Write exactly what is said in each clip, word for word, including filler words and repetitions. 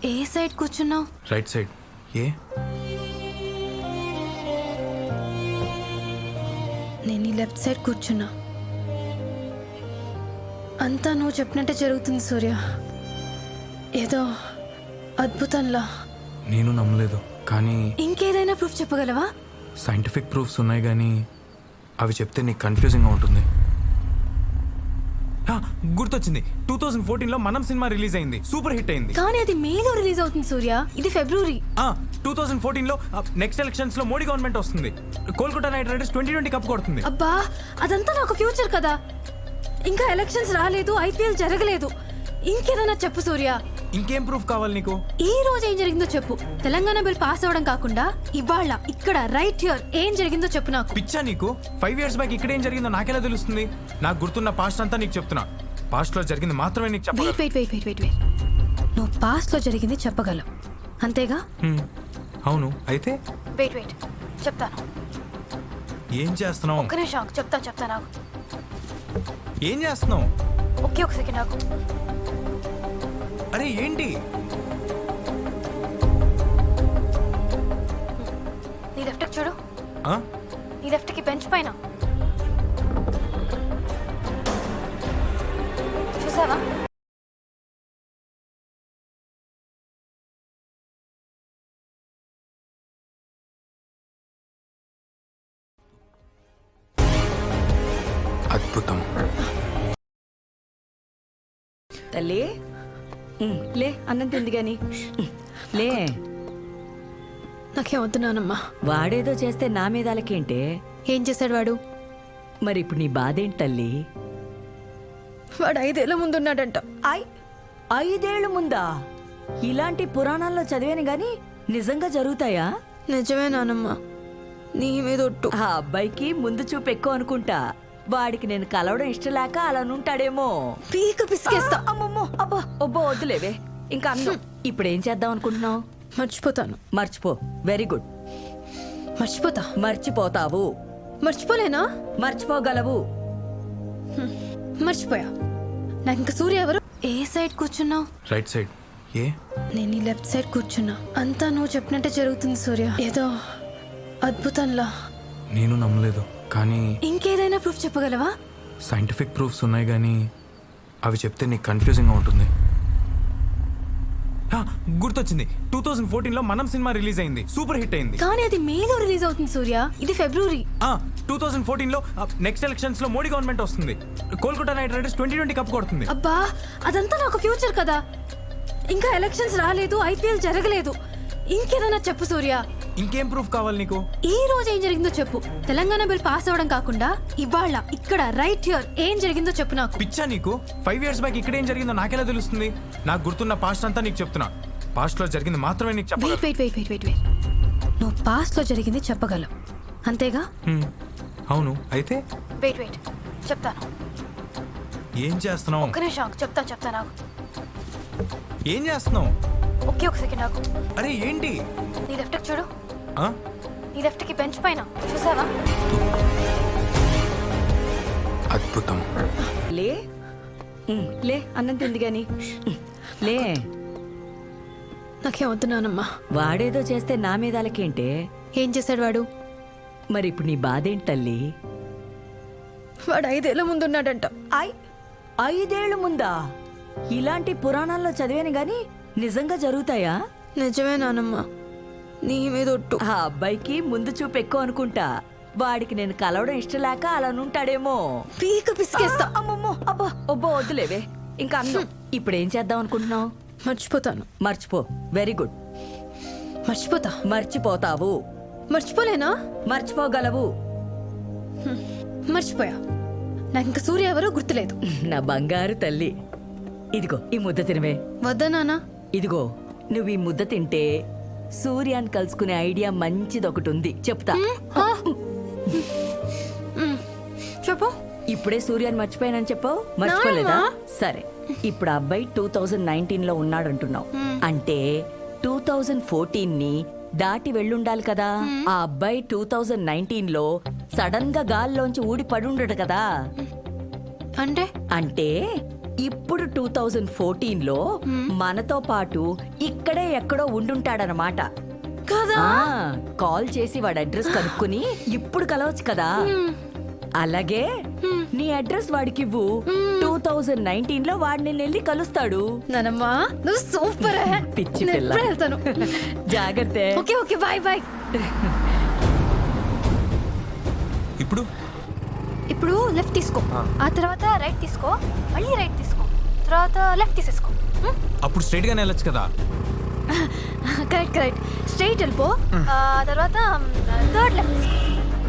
ఏ side కూర్చున్నావు? Right side. ఏ నేను ఈ లెఫ్ట్ సైడ్ కూర్చున్నా. అంతా నువ్వు చెప్పినట్టే జరుగుతుంది సూర్య. ఏదో అద్భుతంలా. నేను నమ్మలేదు, కానీ ఇంకేదైనా ప్రూఫ్ చెప్పగలవా? సైంటిఫిక్ ప్రూఫ్స్ ఉన్నాయి, కానీ అవి చెప్తే నీకు కన్ఫ్యూజింగ్గా ఉంటుంది. హా, గుర్తొచ్చింది. టూ థౌజండ్ ఫోర్టీన్ లో మనం సినిమా రిలీజ్ అయింది, సూపర్ హిట్ అయింది. కానీ అది మేలో రిలీజ్ అవుతుంది సూర్య, ఇది ఫిబ్రవరి. టూ థౌజండ్ ఫోర్టీన్ లో నెక్స్ట్ ఎలక్షన్స్ లో మోడీ గవర్నమెంట్ వస్తుంది. Kolkata Knight Riders twenty twenty cup కొడుతుంది. అబ్బా, అదంతా నాకు ఫ్యూచర్ కదా. ఇంకా ఎలక్షన్స్ రాలేదు, ఐపీఎల్ జరగలేదు. ఇంకేదైనా చెప్పు సూర్య. ఇంకేం ప్రూఫ్ కావాలి నీకు? ఈ రోజు ఏం జరిగిందో చెప్పు. తెలంగాణ బిల్ పాస్ అవ్వడం కాకుండా ఇవాళ ఇక్కడ రైట్ హియర్ ఏం జరిగిందో చెప్పు నాకు. పిచ్చా నీకు? ఫైవ్ ఇయర్స్ బ్యాక్ ఇక్కడ ఏం జరిగిందో నాకెలా తెలుస్తుంది? నాకు గుర్తున్న పాస్ట్ అంతా నీకు చెప్తున్నా. పాస్ట్ లో జరిగింది మాత్రమే నీకు చెప్పగలను. Wait wait wait wait wait నువ్వు పాస్ట్ లో జరిగింది చెప్పగలవు, అంతేగా? అవును, అయితే వెయిట్ వెయిట్ చెప్తాను. ఏం చేస్తున్నావు? ఒక్క నిమిషం చెప్తాను చెప్తాను నాకు. ఏం చేస్తున్నావు? ఒకే ఒక సెకండ్ నాకు. అరే ఏంటి? నీ లెఫ్ట్ చూడు. ఆ? నీ లెఫ్ట్ కి బెంచ్ పైన చూసావా? అద్భుతం. తల్లి లే, అన్నం తింది గాని లే. నాకేం వద్దున్నానమ్మా. వాడేదో చేస్తే నా మీద అలకేంటే? ఏం చేశాడు వాడు? మరి ఇప్పుడు నీ బాధేంటి తల్లి? వాడు ఐదేళ్ల ముందున్నాడంట. ఐ ఐదేళ్లు ముందా? ఇలాంటి పురాణాల్లో చదివాను గాని నిజంగా జరుగుతాయా? నిజమే నానమ్మా, నీ మీద ఒట్టు. ఆ అబ్బాయికి ముందు చూపు ఎక్కువ అనుకుంటా. వాడికి నేను కలవడం ఇష్టం లేక అలా నుంటాడేమో. పీక పిసికేస్తా. అమ్మమ్మో, అబ్బా ఒబ్బో వద్దులేవే. ఇంకా అన్నం ఇప్పుడు ఏం చేద్దాం అనుకుంటున్నావు? మర్చిపోతాను. మర్చిపో. Very good. మర్చిపోతా. మర్చిపోతావు. మర్చిపోలేనా? మర్చిపోగలవు. మర్చిపోయా. నాకు ఇంకా సూర్య ఎవరు? ఏ సైడ్ కూర్చున్నావు? Right side. ఏ నేను ఈ లెఫ్ట్ సైడ్ కూర్చున్నా. అంతా నువ్వు చెప్పినట్టే జరుగుతుంది సూర్య. ఏదో అద్భుతంలా. నేను నమ్మలేదు, కానీ ఇంకేదైనా ప్రూఫ్ చెప్పగలవా? సైంటిఫిక్ ప్రూఫ్స్ ఉన్నాయి, కానీ అవి చెప్తే నీకు కన్ఫ్యూజింగ్గా ఉంటుంది. హా, గుర్తొచ్చింది. టూ థౌజండ్ ఫోర్టీన్ లో మనం సినిమా రిలీజ్ అయింది, సూపర్ హిట్ అయింది. కానీ అది మేలో రిలీజ్ అవుతుంది సూర్య, ఇది ఫిబ్రవరి. టూ థౌజండ్ ఫోర్టీన్ లో నెక్స్ట్ ఎలక్షన్స్ లో మోడీ గవర్నమెంట్ వస్తుంది. Kolkata Knight Riders twenty twenty cup కొడుతుంది. అబ్బా, అదంతా నాకు ఫ్యూచర్ కదా. ఇంకా ఎలక్షన్స్ రాలేదు, ఐపీఎల్ జరగలేదు. ఇంకేదైనా చెప్పు సూర్య. ఇంకేం ప్రూఫ్ కావాలి నీకు? ఈ రోజు ఏం జరిగిందో చెప్పు. తెలంగాణ బిల్ పాస్ అవ్వడం కాకుండా ఇవాళ ఇక్కడ రైట్ హియర్ ఏం జరిగిందో చెప్పు నాకు. పిచ్చా నీకు? ఫైవ్ ఇయర్స్ బ్యాక్ ఇక్కడ ఏం జరిగిందో నాకెలా తెలుస్తుంది? నాకు గుర్తున్న పాస్ట్ అంతా నీకు చెప్తున్నా. పాస్ట్ లో జరిగింది మాత్రమే నీకు చెప్పగలను. Wait wait wait wait wait నువ్వు పాస్ట్ లో జరిగింది చెప్పగలవు, అంతేగా? అవును, అయితే వెయిట్ వెయిట్ చెప్తాను. ఏం చేస్తున్నావు? ఒక్క నిమిషం చెప్తాను చెప్తాను నాకు. ఏం చేస్తున్నావు? ఒకే ఒక సెకండ్ నాకు. అరే ఏంటి? నీ లెఫ్ట్ చూడు. ఆ? నీ లెఫ్ట్ కి బెంచ్ పైన చూసావా? అద్భుతం. లే లే, అన్నం తింది గాని లే. నాకేం వద్దున్నానమ్మా. వాడేదో చేస్తే నా మీద అలకేంటే? ఏం చేశాడు వాడు? మరి ఇప్పుడు నీ బాధేంటి తల్లి? వాడు ఐదేళ్ల ముందున్నాడంట. ఐ ఐదేళ్లు ముందా? ఇలాంటి పురాణాల్లో చదివాను గాని నిజంగా జరుగుతాయా? నిజమే నానమ్మా, నీ మీద ఒట్టు. ఆ అబ్బాయికి ముందు చూపు ఎక్కువ అనుకుంటా. వాడికి నేను కలవడం ఇష్టం లేక అలా నుంటాడేమో. పీక పిసికేస్తా. అమ్మమ్మో, అబ్బా ఒబ్బో వద్దులేవే. ఇంకా అన్నం ఇప్పుడు ఏం చేద్దాం అనుకుంటున్నావు? మర్చిపోతాను. మర్చిపో. Very good. మర్చిపోతా. మర్చిపోతావు. మర్చిపోలేనా? మర్చిపోగలవు. మర్చిపోయా. నాకు ఇంకా సూర్య ఎవరో గుర్తులేదు. నా బంగారు తల్లి, ఇదిగో ఈ ముద్ద తినవే. వద్దా నానా? ఇదిగో నువ్వు ఈ ముద్ద తింటే సూర్యాన్ని కలుసుకునే ఐడియా మంచిది ఒకటి ఉంది, చెప్తా. చెప్పు. ఇప్పుడే సూర్యాన్ని మర్చిపోయానని చెప్పావు, మర్చిపోలేదా? సరే, ఇప్పుడు ఆ అబ్బాయి టూ థౌజండ్ నైన్టీన్ లో ఉన్నాడంటున్నావు. అంటే టూ థౌజండ్ ఫోర్టీన్ ని దాటి వెళ్ళుండాలి కదా. ఆ అబ్బాయి టూ థౌజండ్ నైన్టీన్ లో సడన్ గా గాల్లోంచి ఊడి పడుండడు కదా. అంటే అంటే ఇప్పుడు టూ థౌజండ్ ఫోర్టీన్ లో మనతో పాటు ఇక్కడే ఎక్కడో ఉండుంటాడనమాట. కదా ఆ, కాల్ చేసి వాడి అడ్రస్ కనుక్కుని ఇప్పుడు కలవచ్చు కదా. అలాగే నీ అడ్రస్ వాడికి ఇవ్వు. టూ థౌజండ్ నైన్టీన్ లో వాడిని వెళ్ళి కలుస్తాడు. నానమ్మా నువ్వు సూపర్ పిచ్చి పిల్ల. వెళ్తాను. జాగ్రత్త. Okay okay bye bye. ఇప్పుడు ఇప్పుడు లెఫ్ట్ తీసుకో, ఆ తర్వాత రైట్ తీసుకో, మళ్ళీ రైట్ తీసుకో, తర్వాత లెఫ్ట్ తీసేసుకో. అప్పుడు స్ట్రైట్ గానే వెళ్ళొచ్చు కదా. కరెక్ట్ కరెక్ట్ స్ట్రైట్ వెళ్ళిపో, ఆ తర్వాత థర్డ్ లెఫ్ట్ తీసుకో.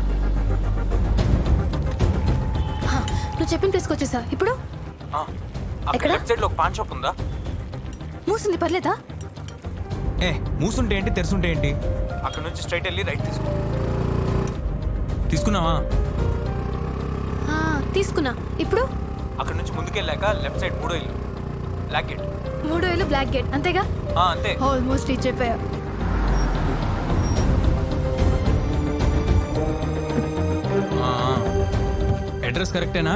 హా, నువ్వు చెప్పిన ప్లేస్కి వచ్చేసా. ఇప్పుడు ఎక్కడ? లెఫ్ట్ సైడ్ లో ఒక పాన్ షాప్ ఉందా? మూసింది, పర్లేదా? ఏ మూసుంటే ఏంటి, తెరుసుంటే ఏంటి? అక్కడ నుంచి స్ట్రైట్ వెళ్ళి రైట్ తీసుకో. తీసుకున్నావా? ఆ, తీసుకున్నా. ఇప్పుడు అక్కడ నుంచి ముందుకెళ్ళాక లెఫ్ట్ సైడ్ మూడో ఇల్లు, బ్లాక్ గేట్. మూడో వేలు బ్లాక్ గేట్, అంతేగా? ఆ, అంతే. ఆల్మోస్ట్ రీచ్ అయిపోయా. అడ్రస్ కరెక్టేనా?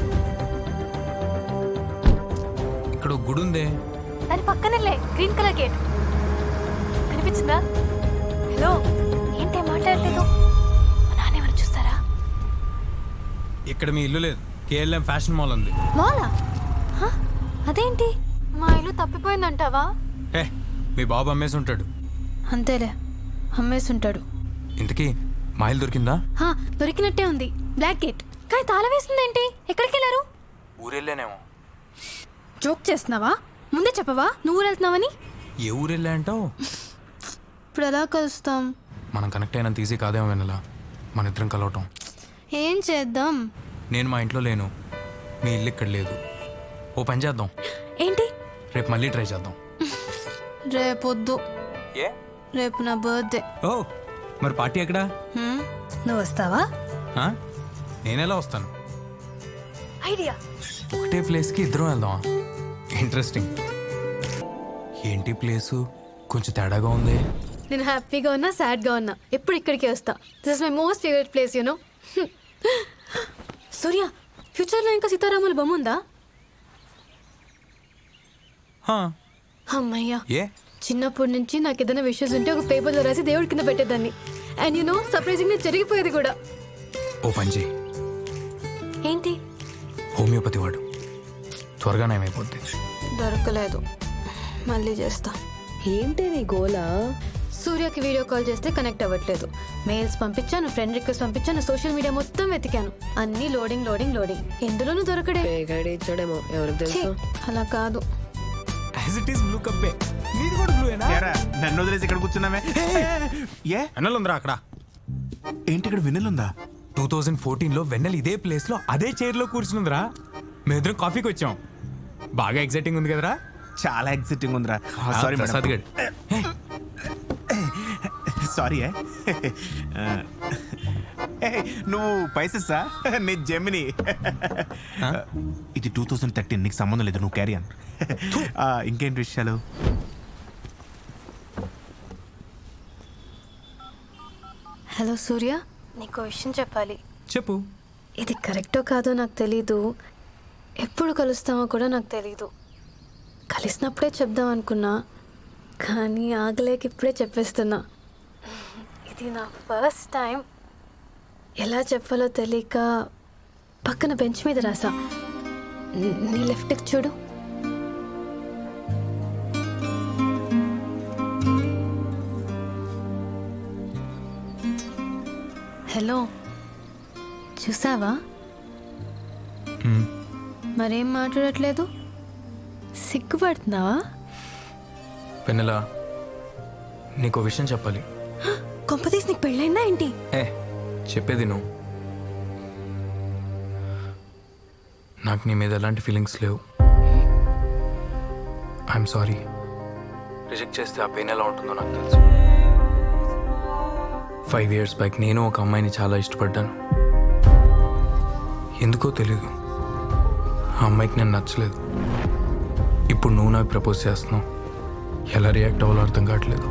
ఇక్కడ ఒక గుడి ఉందే. దాని పక్కనలే గ్రీన్ కలర్ గేట్ కనిపించిందా? హలో, ఏంటి మాట్లాడలేదు? మా నాన్న ఎవరు చూస్తారా? ఇక్కడ మీ ఇల్లు లేదు, కేఎల్ఎం ఫ్యాషన్ మాల్ ఉంది. మాలా? హ? అదేంటి మా ఇల్లు తప్పిపోయిందంటావా? ఏ మీ బాబు అమ్మేసి ఉంటాడు. అంతేలే, అమ్మేసి ఉంటాడు. ఇంతకీ మా ఇల్లు దొరికిందా? హా, దొరికినట్టే ఉంది, బ్లాక్ గేట్. కానీ తాళం వేసిందేంటి? ఎక్కడికి వెళ్ళారు? ఊరెళ్ళానేమో. జోక్ చేస్తున్నావా? ముందే చెప్పవా నువ్వు వెళ్తున్నావని? ఏ ఊరెళ్ళా అంటావు? ఇప్పుడు ఎలా కలుస్తాం? మనం కనెక్ట్ అయినంత ఈజీ కాదేమో వెనలా మన ఇద్దరం కలవటం. ఏం చేద్దాం? నేను మా ఇంట్లో లేను, మీ ఇల్లు ఇక్కడ లేదు. ఓ పని చేద్దాం, ఏంటి? రేపు మళ్ళీ ట్రై చేద్దాం. రేపొద్దు, ఏ? రేపు నా బర్త్డే. ఓ మరి పార్టీ ఎక్కడా? నువ్వు వస్తావా? ఆ? నేనెలా వస్తాను? ఐడియా. ఒకటే ప్లేస్కి ఇద్దరం వెళ్దామా? ఇంట్రెస్టింగ్. ఏంటి ప్లేసు కొంచెం తేడాగా ఉంది. నేను హ్యాపీగా ఉన్నా సాడ్గా ఉన్నా ఎప్పుడు ఇక్కడికే వస్తా. This is my most favourite place you know. Surya, ఫ్యూచర్లో ఇంకా సీతారాముల బొమ్మ ఉందా? హా. అమ్మయ్యా, ఏ? చిన్నప్పటి నుంచి నాకు ఏదైనా విషయస్ ఉంటే ఒక పేపర్లో రాసి దేవుడి కింద పెట్టేదాన్ని. అండ్ యూనో సర్ప్రైజింగ్గా జరిగిపోయేది కూడా. ఓ పని చేయి, ఏంటి? హోమియోపతి వాడు, త్వరగా నయమైపోద్ది. దొరకలేదు, మళ్ళీ చేస్తా. ఏంటి నీ గోలా? సూర్యకి వీడియో కాల్ చేస్తే కనెక్ట్ అవ్వట్లేదు. మెయిల్స్ పంపించాను, ఫ్రెండ్ రిక్వెస్ట్ పంపించాను, సోషల్ మీడియా మొత్తం వెతికాను. అన్ని లోడింగ్ లోడింగ్ లోడింగ్, ఎందులోనూ దొరకడే. ఇచ్చాడేమో, ఎవరికి ఛీ, అలా కాదు. యాజ్ ఇట్ ఈస్ బ్లూ కప్పే. నీది కూడా బ్లూయేనా? ఏరా, నన్ను వదిలేసి ఇక్కడ కూర్చున్నామే. ఏ వెన్నెల ఉందిరా అక్కడ. ఏంటి ఇక్కడ వినలుందా? టూ థౌజండ్ ఫోర్టీన్ లో వెన్నెల ఇదే ప్లేస్ లో అదే చైర్ లో కూర్చుందిరా. మేమిద్దరం కాఫీకి వచ్చాం. బాగా ఎక్సైటింగ్ ఉంది కదరా? చాలా ఎక్సైటింగ్ ఉందిరా. సారీ ప్రసాద్ గడ్. సారీ నువ్వు పైసెస్సా? నీ జెమిని. ఇది టూ థౌజండ్ థర్టీన్, నీకు సంబంధం లేదు, నువ్వు క్యారీ అన్. ఇంకేంటి విషయాలు? హలో సూర్య, నీకు విషయం చెప్పాలి. చెప్పు. ఇది కరెక్టో కాదో నాకు తెలీదు, ఎప్పుడు కలుస్తామో కూడా నాకు తెలీదు. కలిసినప్పుడే చెప్దాం అనుకున్నా, కానీ ఆగలేక ఇప్పుడే చెప్పేస్తున్నా. ఇది నా ఫస్ట్ టైం. ఎలా చెప్పాలో తెలియక పక్కన బెంచ్ మీద రాసా. నీ లెఫ్ట్కి చూడు. హలో, చూసావా? మరేం మాట్లాడట్లేదు? సిగ్గుపడుతున్నావా? వెన్నెల, నీకు విషయం చెప్పాలి. కొంపతీసి నీకు పెళ్ళైందా ఏంటి? ఏ చెప్పేది నువ్వు. నాకు నీ మీద ఎలాంటి ఫీలింగ్స్ లేవు. I'm sorry. రిజెక్ట్ చేస్తే ఆ పెయిన్ ఎలా ఉంటుందో నాకు తెలుసు. ఫైవ్ ఇయర్స్ బ్యాక్ నేను ఒక అమ్మాయిని చాలా ఇష్టపడ్డాను. ఎందుకో తెలీదు, ఆ అమ్మాయికి నేను నచ్చలేదు. ఇప్పుడు నువ్వు నాకు ప్రపోజ్ చేస్తున్నావు. ఎలా రియాక్ట్ అవ్వాలో అర్థం కావట్లేదు.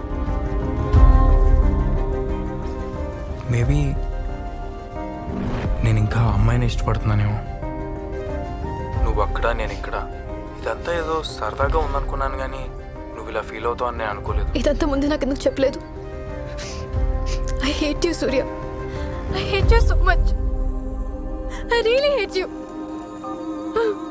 మేబీ నేను ఇంకా ఆ అమ్మాయిని ఇష్టపడుతున్నానేమో. నువ్వు నువ్వు అక్కడ నేను ఇక్కడ ఇదంతా ఏదో సరదాగా ఉందనుకున్నాను కానీ నువ్వు ఇలా ఫీల్ అవుతావు అని నేను అనుకోలేదు. ఇదంతా ముందు నాకు ఎందుకు చెప్పలేదు? I hate you Surya. I hate you so much. I really hate you.